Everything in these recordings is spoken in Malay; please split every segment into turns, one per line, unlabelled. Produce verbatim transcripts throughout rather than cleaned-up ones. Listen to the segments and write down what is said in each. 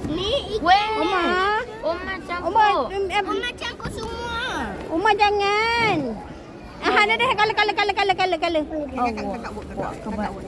Ni
Weh.
Oma.
Oma campur.
Oma, em, em,
Oma campur semua.
Oma jangan. Ah, dah dah kala kala kala kala kala kala.
Kakak kakak buat kakak. Kakak buat.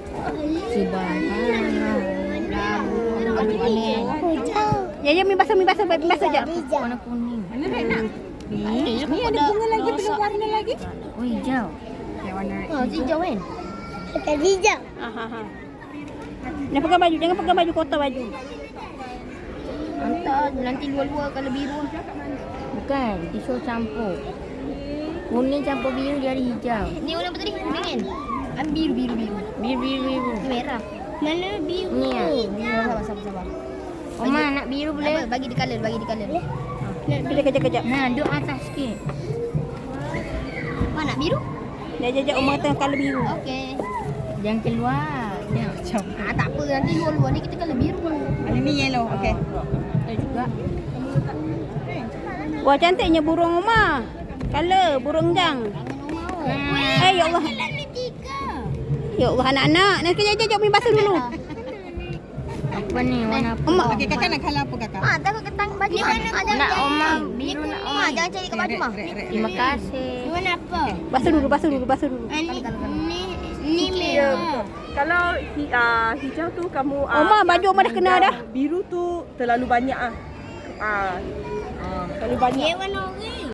Ya ya mi basah mi basah mi basah jap.
Warna kuning.
Mana red nak?
Ni ada bunga lagi belum warna lagi.
Oh hijau.
Yang warna red.
Oh hijau kan?
Pakai hijau.
Ha ha ha. Jangan pakai baju, jangan pakai baju kotor baju.
Hantar nanti luar-luar kalau biru. Bukan, tisu campur. Kuning campur biru dia ada hijau.
Ni warna apa tadi? Kuning. Am biru biru biru.
Biru biru biru.
Merah. Mana biru?
Ni ah.
Sabar sabar sabar.
Oma nak biru
Apa?
boleh?
Bagi di color, bagi di color.
Kejap kejap kejap.
Nah, duduk atas sikit.
Mana biru?
Dia jajak Oma tengah kala biru.
Okey.
Jangan keluar. Jangan macam.
Ah tak apa, nanti luar-luar ni kita color biru.
Ada ni yellow. Okey.
Ada juga.
Wah cantiknya burung Oma. Kala burung jang.
Hmm.
Eh ya Allah.
Ni tiga.
Ya Allah anak-anak. Nak kejap kejap mi basah dulu.
Apa ni? Warna apa?
Oma.
Okey, kakak nak colour apa kakak?
Ah, takut ketang baju. Ni warna
Nak Oma. Biru nak Oma.
Ah, jangan cari kat baju mah.
Red, red,
Terima
red.
kasih.
Ni warna apa?
Basah dulu, basah dulu, basah dulu.
Ah, Ni ni ni merah.
Kalau hi, uh, hijau tu kamu uh,
Oma, baju Oma dah kena dah.
Biru tu terlalu banyak ah. Ah. Uh, terlalu banyak.
Ni warna orange.